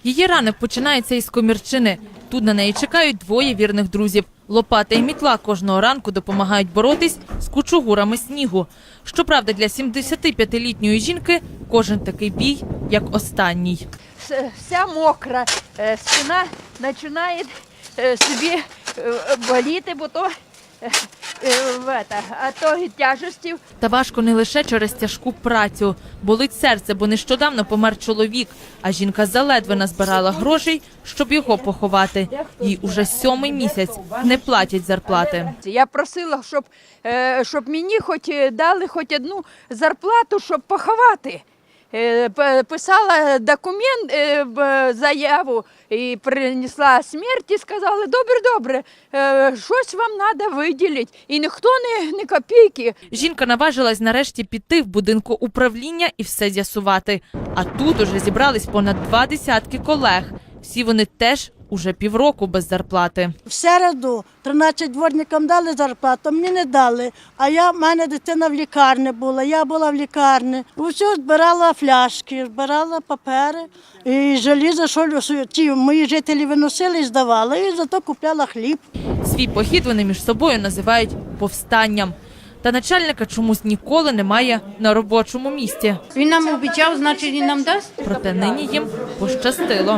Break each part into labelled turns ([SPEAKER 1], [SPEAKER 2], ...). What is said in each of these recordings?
[SPEAKER 1] Її ранок починається із комірчини. Тут на неї чекають двоє вірних друзів. Лопата і мітла кожного ранку допомагають боротись з кучугурами снігу. Щоправда, для 75-літньої жінки кожен такий бій, як останній.
[SPEAKER 2] Вся мокра, спина починає собі боліти, бо то тяжестів.
[SPEAKER 1] Та важко не лише через тяжку працю. Болить серце, бо нещодавно помер чоловік, а жінка заледве назбирала грошей, щоб його поховати. Їй уже 7-й місяць не платять зарплати.
[SPEAKER 2] Я просила, щоб мені дали хоч одну зарплату, щоб поховати. Писала документ, заяву і принесла смерть і сказали, добре, щось вам треба виділити. І ніхто не копійки.
[SPEAKER 1] Жінка наважилась нарешті піти в будинку управління і все з'ясувати. А тут уже зібрались понад 20 колег. Всі вони теж уже півроку без зарплати.
[SPEAKER 3] В середу 13 дворникам дали зарплату, мені не дали. А в мене дитина в лікарні була, я була в лікарні. Усю збирала фляшки, збирала папери і желізо, що ті мої жителі виносили і здавали, і зато купляла хліб.
[SPEAKER 1] Свій похід вони між собою називають повстанням. Та начальника чомусь ніколи немає на робочому місці.
[SPEAKER 4] Він нам обіцяв, значить він нам дасть.
[SPEAKER 1] Проте нині їм пощастило.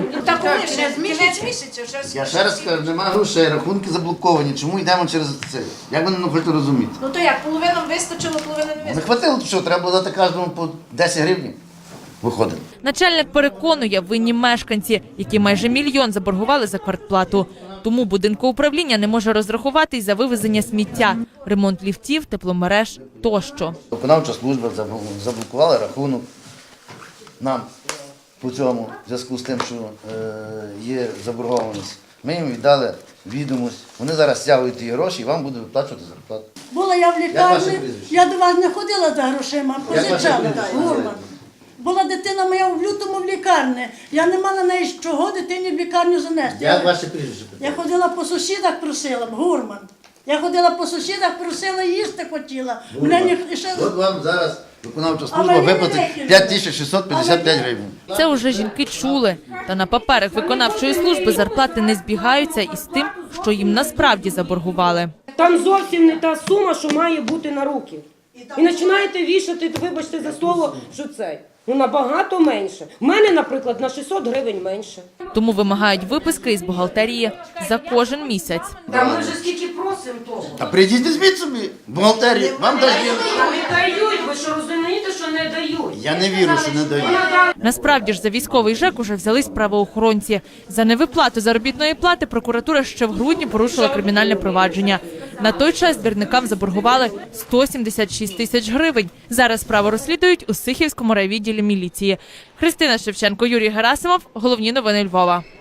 [SPEAKER 5] Я ще раз кажу, немає грошей, рахунки заблоковані. Чому йдемо через це? Як ви не хочете розуміти?
[SPEAKER 6] Ну то як, половину вистачило, половину не вистачило?
[SPEAKER 5] Не хватило, що треба було дати кожному по 10 гривень. Виходить.
[SPEAKER 1] Начальник переконує, винні мешканці, які майже 1 мільйон заборгували за квартплату. Тому будинку управління не може розрахувати й за вивезення сміття, ремонт ліфтів, тепломереж тощо.
[SPEAKER 5] Виконавча служба заблокувала рахунок нам по цьому, в зв'язку з тим, що є заборгованість. Ми їм віддали відомість, вони зараз стягують ті гроші і вам будуть виплачувати зарплату.
[SPEAKER 3] Була я в
[SPEAKER 5] Як
[SPEAKER 3] лікарні,
[SPEAKER 5] ваше прізвище?
[SPEAKER 3] я до вас не ходила за грошима,
[SPEAKER 5] Як ваше
[SPEAKER 3] позичала.
[SPEAKER 5] прізвище?
[SPEAKER 3] Гурман. Була дитина моя в лютому в лікарні. Я не мала на чого дитині в лікарню занести.
[SPEAKER 5] Як ваше прізвище?
[SPEAKER 3] Я ходила по сусідах, просила, Гурман. Я ходила по сусідах, просила, їсти хотіла.
[SPEAKER 5] От вам зараз виконавча
[SPEAKER 3] А
[SPEAKER 5] служба
[SPEAKER 3] мені не
[SPEAKER 5] виплатить
[SPEAKER 3] викинули.
[SPEAKER 5] 5655 гривень.
[SPEAKER 1] Це уже жінки чули. Та на паперах виконавчої служби зарплати не збігаються із тим, що їм насправді заборгували.
[SPEAKER 7] Там зовсім не та сума, що має бути на руки. І починаєте вішати, вибачте за слово, що це. Ну, набагато менше. У мене, наприклад, на 600 гривень менше.
[SPEAKER 1] Тому вимагають виписки із бухгалтерії за кожен місяць.
[SPEAKER 7] Та ми вже скільки просимо того.
[SPEAKER 5] А прийдіть, візьміть собі бухгалтерію, вам дають.
[SPEAKER 7] Не дають, ви що розумієте, що не дають?
[SPEAKER 5] Я не вірю, що не дають.
[SPEAKER 1] Насправді ж за військовий ЖЕК уже взялись правоохоронці. За невиплату заробітної плати прокуратура ще в грудні порушила кримінальне провадження. На той час двірникам заборгували 176 тисяч гривень. Зараз справу розслідують у Сихівському райвідділі міліції. Христина Шевченко, Юрій Герасимов. Головні новини Львова.